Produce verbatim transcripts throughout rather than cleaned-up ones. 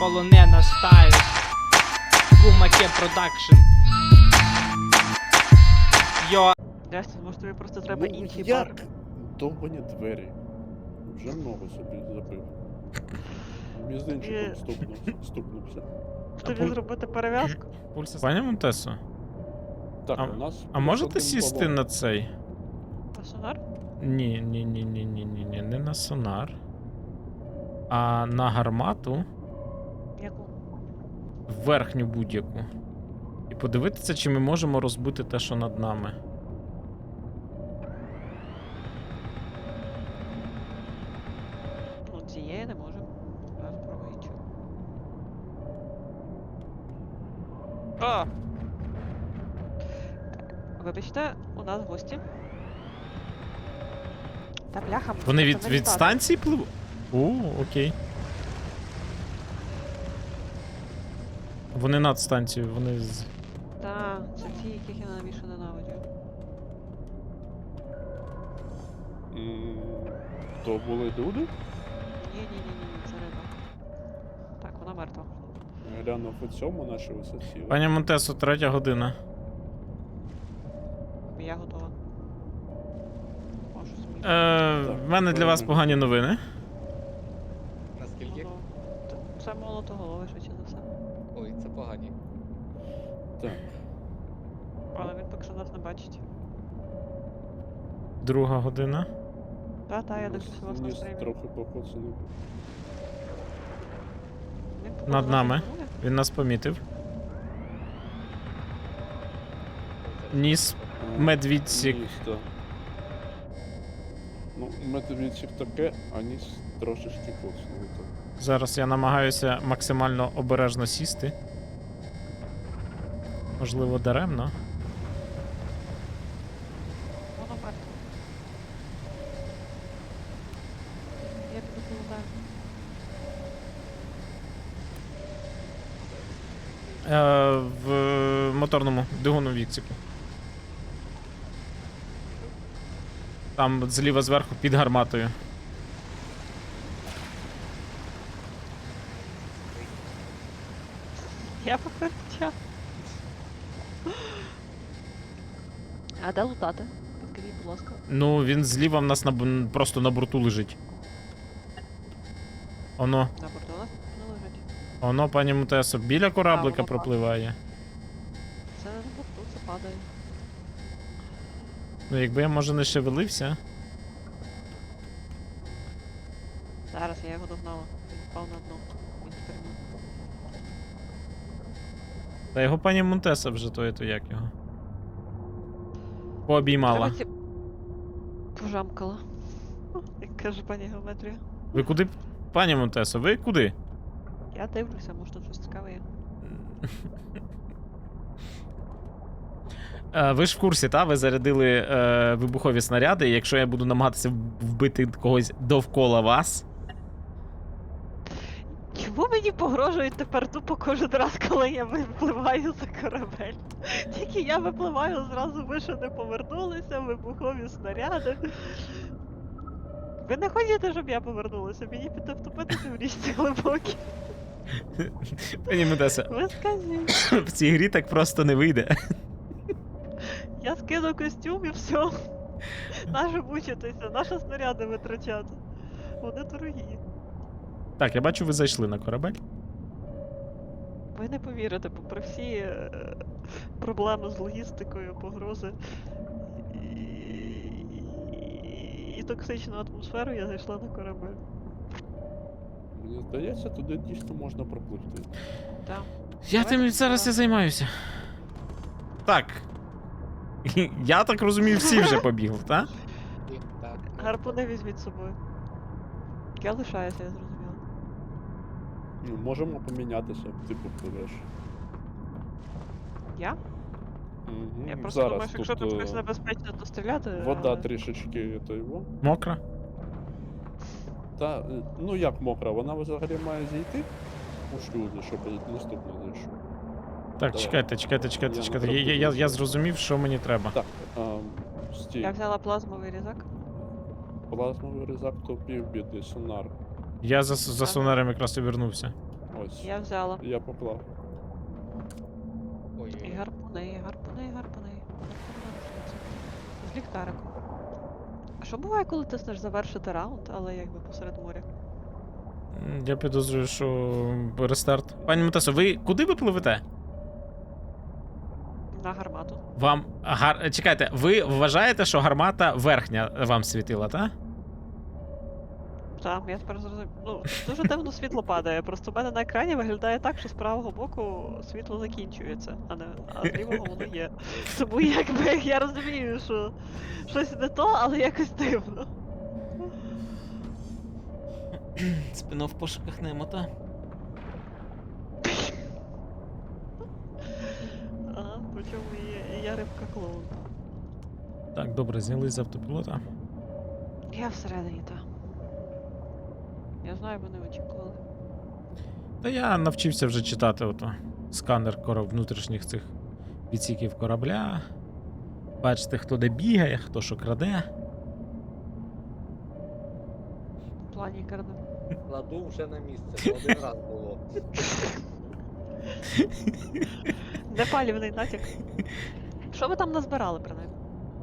полонена стайл. Кумаке продакшн. Йо. Ясно, може тобі просто треба Ну, інший як? бар. Довбані двері. Вже много собі забив. Мізинчиком Є. стукнув, стукнувся. Тобі зробити перев'язку? Пані Монтесо, Так, А- у нас... а можете сісти на цей? На сонар? Ні, ні, ні, ні, ні, ні, ні, не на сонар. А на гармату Яку? верхню будь-яку. І подивитися, чи ми можемо розбити те, що над нами. Ну, цієї не можемо. Зараз спробую іншу. А! Вибачте, у нас гості. Та бляха, Вони це від, не від літати. станції пливуть? О, окей. Вони над станцією, вони з. Та, це ті, яких я найбільше ненавиджу. М, То були люди? Ні-ні-ні, це риба. Так, вона мертва. Глянув у цьому наші висоці. Пані Монтесо, третя година. Я готова. Можу змінити. Е, в мене для вас погані новини. Наскільки? Ну, т- Це молотоголовий, швидше за все. Ой, це погані. Так. Але він поки що нас не бачить. Друга година. Та, та, я дивлюся вас на Ніс стрімі. трохи покоцаний. Він походу Над нас нами. ігнорує. Він нас помітив. Ніс. А, Медвідсік. Ніс, так. Ну, медвідсік таке, а ніс трошечки коцнув. так. Зараз я намагаюся максимально обережно сісти. Можливо, даремно. Воно мертве. Я піду полутаю. Е, в моторному двигунному відсіку. Там зліва зверху під гарматою. Я попереджав. А де лутати? Підкажіть, будь ласка. Ну, він зліва в нас на, б- просто на борту лежить. Оно, На борту у нас не лежить. оно, пані Мутесо, біля кораблика воно пропливає. Це не на борту, це падає. Ну, якби я, може, не шевелився. Зараз я його догнала. Він впав на дно. Він стрімав. Та його пані Монтеса вже то, то як його. Пообіймала. Треба ці- Пожамкала. Як каже пані геометрія. Ви куди? Пані Монтесо, ви куди? Я дивлюся, може тут щось цікаве є. Е, Ви ж в курсі, та? Ви зарядили е, вибухові снаряди, і якщо я буду намагатися вбити когось довкола вас. Чому мені погрожують тепер тупо кожен раз, коли я випливаю за корабель? Тільки я випливаю, зразу ви ще не повернулися, вибухові снаряди. Ви не хочете, щоб я повернулася? Мені піти втопитися в річці глибокій. Пані Монтесо, Ви скажіть. в цій грі так просто не вийде. Я скину костюм і все. Наше мучитися, наші снаряди витрачати. Вони дорогі. Так, я бачу, ви зайшли на корабель. Ви не повірите, попри всі е, проблеми з логістикою, погрози і, і, і токсичну атмосферу, я зайшла на корабель. Мені здається, туди дійсно можна пропливти. Так. Я тим зараз і займаюся. Так. Я так розумію, всі вже побігли, так? І так. Гарпуни візьміть з собою. Я лишаюся, я зрозуміла. Ну, можемо помінятися, ти попливеш. Я? Угу. Я просто Зараз думаю, що якщо тут тут щось е, небезпечно, то стріляти. вода але- трішечки то його. Мокра. Та, е, ну як мокра, вона взагалі має зійти у шлюзи, щоб наступно зайшов. Так, Давай. чекайте, чекайте, чекайте, Я чекайте. не Я, я, я, я зроблю. зрозумів, що мені треба. Так, а, стій. Я взяла плазмовий різак. Плазмовий різак, то півбіди, сонар. Я за, за Ага. сонарем якраз і вернувся. Ось. Я взяла. Я поклав. Ой, І гарпуни, і гарпуни, і гарпуни. З ліхтариком. А що буває, коли тиснеш завершити раунд, але якби посеред моря? М, Я підозрюю, що рестарт. Пані Матесо, ви куди ви пливете? На гармату. Вам гар... Чекайте, ви вважаєте, що гармата верхня вам світила, так? Так, я тепер зрозумів. Ну, дуже дивно світло падає. Просто в мене на екрані виглядає так, що з правого боку світло закінчується, а не а з лівого воно є. Тому якби я розумію, що щось не то, але якось дивно. Спино в пошуках немо, та? Ага, причому і, і я рибка клоун. Так, добре, знялись з автопілота. Я всередині, та. Я знаю, вони очікували. Та я навчився вже читати ото сканер кораб... внутрішніх цих відсіків корабля. Бачите, хто де бігає, хто що краде. В плані карди. кладу вже на місце, бо один раз було. Непалівний натяк. Що ви там назбирали, принаймні?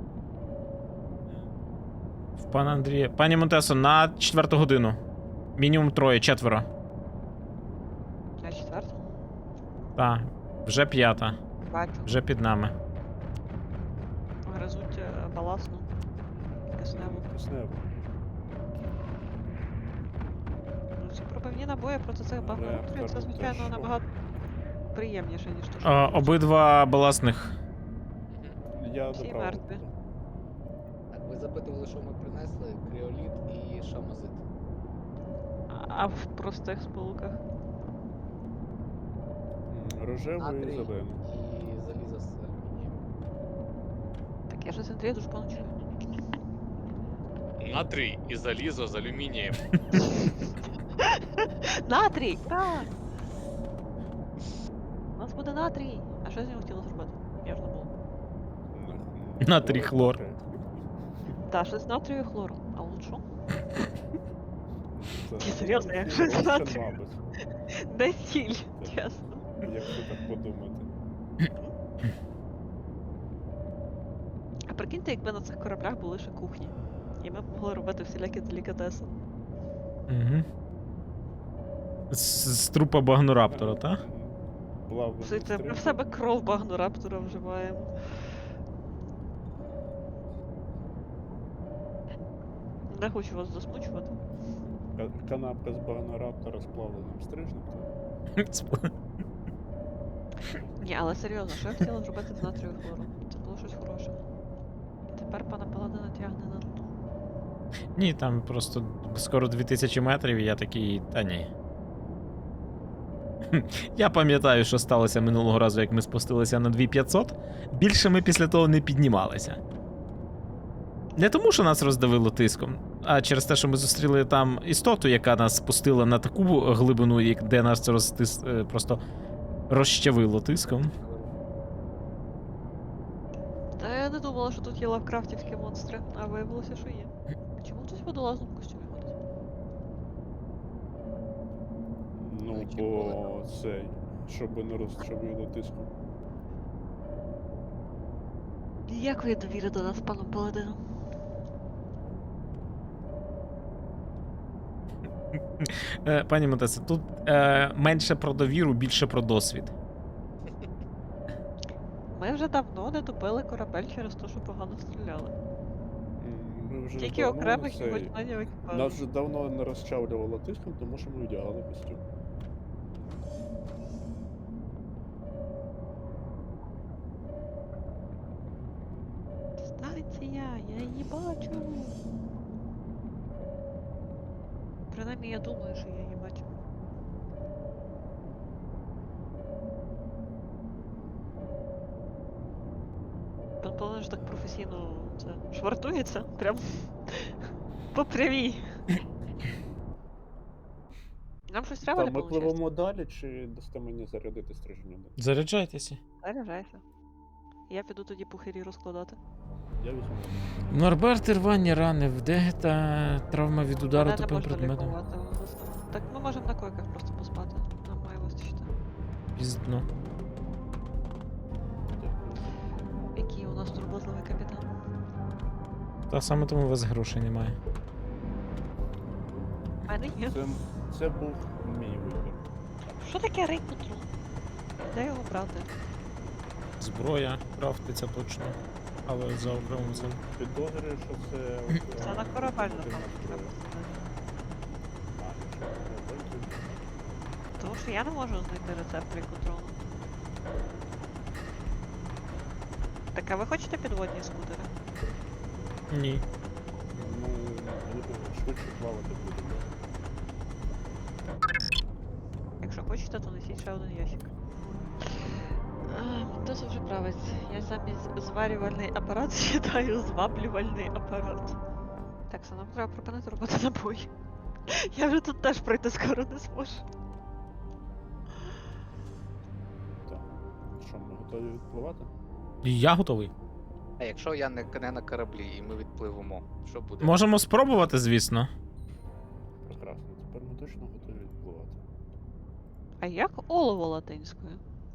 В пана Андрія. Пані Монтесо, на четверту годину. Мінімум троє, четверо. На четверту? Так, вже п'ята. Бачу. Вже під нами. Гризуть е, баласну. Кисневу. Кисневу. Ну, ці пробивні набої проти цих багнокрів, це, Реактор звичайно, теж. набагато приємніше, ніж то, що... А, обидва баласних. Мгм. Я Всі добрав. мертві. Так, ви запитували, що ми принесли? Кріоліт і шамозит. А в простих сполуках. М, Рожевий і Натрій зелений. і залізо з алюмінієм. Так я щось Андрія дуже погано чую. Натрій і залізо з алюмінієм. Натрій! Так! У нас буде натрій! А що з нього хотіли зробити? Я ж забула. М, Натрій хлор. Та, щось з натрію і хлору. А от що? Це- Ні, серйозно, я це щось Рошен, натрію. мабуть, Не сіль, чесно. якщо так подумати. А прикиньте, якби на цих кораблях були ще кухні. І ми б могли робити всілякі делікатеси. Угу. З, з трупа багнораптора, та? Плавно. Слухайте, ми в себе кров багнораптора вживаємо. Не хочу вас засмучувати. Канапка з багнораптора з плавленим стрижнем. Ні, але серйозно, що я хотіла зробити з натрію і хлором? Це було щось хороше. І тепер пана Паладина тягне на дно. Ні, там просто скоро дві тисячі метрів, і я такий, та ні. Хм, Я пам'ятаю, що сталося минулого разу, як ми спустилися на дві тисячі п'ятсот. Більше ми після того не піднімалися. Не тому, що нас роздавило тиском, а через те, що ми зустріли там істоту, яка нас спустила на таку глибину, як- де нас це розтис... е, просто розчавило тиском. Та я не думала, що тут є лавкрафтівські монстри, а виявилося, що є. Чому хтось в водолазному костюмі ходить? Ну, Ну, чи бо цей, щоб не розчавило тиском. Ніякої довіри до нас з паном Паладином. Е, Пані Матесе, тут е, менше про довіру, більше про досвід. Ми вже давно не топили корабель через те, що погано стріляли. М, Ми вже Тільки давно окремих не його цей- членів екіпажу. Нас вже давно не розчавлювало тиском, тому що ми вдягали костюм. Станція, я її бачу. Принаймні я думаю, що я її бачу. Пан Паладин ж так професійно це швартується, прям по прямій. Нам щось треба Та не ми виходить? пливемо далі, чи дасте мені зарядити стриження? Заряджайтеся. Заряджайся. Я піду тоді пухирі розкладати. Я візьму. Норберт, рвані рани, вдегта, травма від удару Мене не тупим можна предметом. лікувати, власне. Так ми можемо на койках просто поспати. Нам має Піздно. Який у нас турботливий капітан. Та саме тому у вас грошей немає. У мене є. Це, це був мій вибір. Що таке рейд патрул? Де його брати? Зброя крафтиться точно. Але за окремим цим. Підозрюю, що це... Це на корабель, напевно, треба. А, якщо корабель, то- Тому що я не можу знайти рецепт рейд-патрулу. Так, а ви хочете підводні скутери? Ні. Ну, швидше плавати будемо. Якщо хочете, то несіть ще один ящик. Хто це вже править? Я замість зварювальний апарат читаю зваблювальний апарат. Так, все, нам треба припинити робити набої. Я вже тут теж пройти скоро не зможу. Так. Що, ми готові відпливати? Я готовий. А якщо я не, не на кораблі і ми відпливемо, що буде? Можемо спробувати, звісно. Прекрасно. Тепер ми точно готові відпливати. А як олово латинською?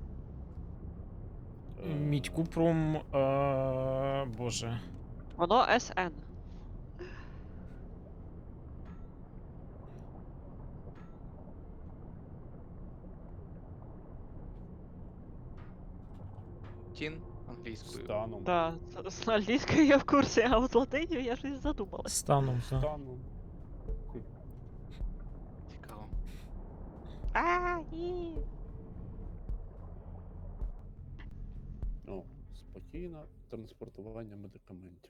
Е, Мідь купрум. Е... Боже. Воно ес ен. Тін англійською. Станом. Так, з англійською я в курсі, а от латинію я щось задумалась. Станом. так. Станом. Цікаво. А, ні. О, спокійно. Транспортування медикаментів.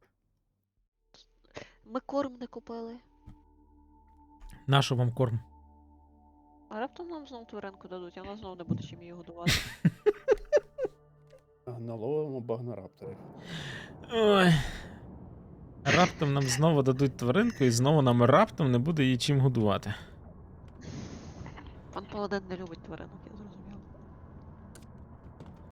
Ми корм не купили. Нащо вам корм? А раптом нам знову тваринку дадуть, а в нас знову не буде чим її годувати. Наловимо багнорапторів. Ой. Раптом нам знову дадуть тваринку, і знову нам раптом не буде її чим годувати. Пан Паладин не любить тваринок, я зрозумів.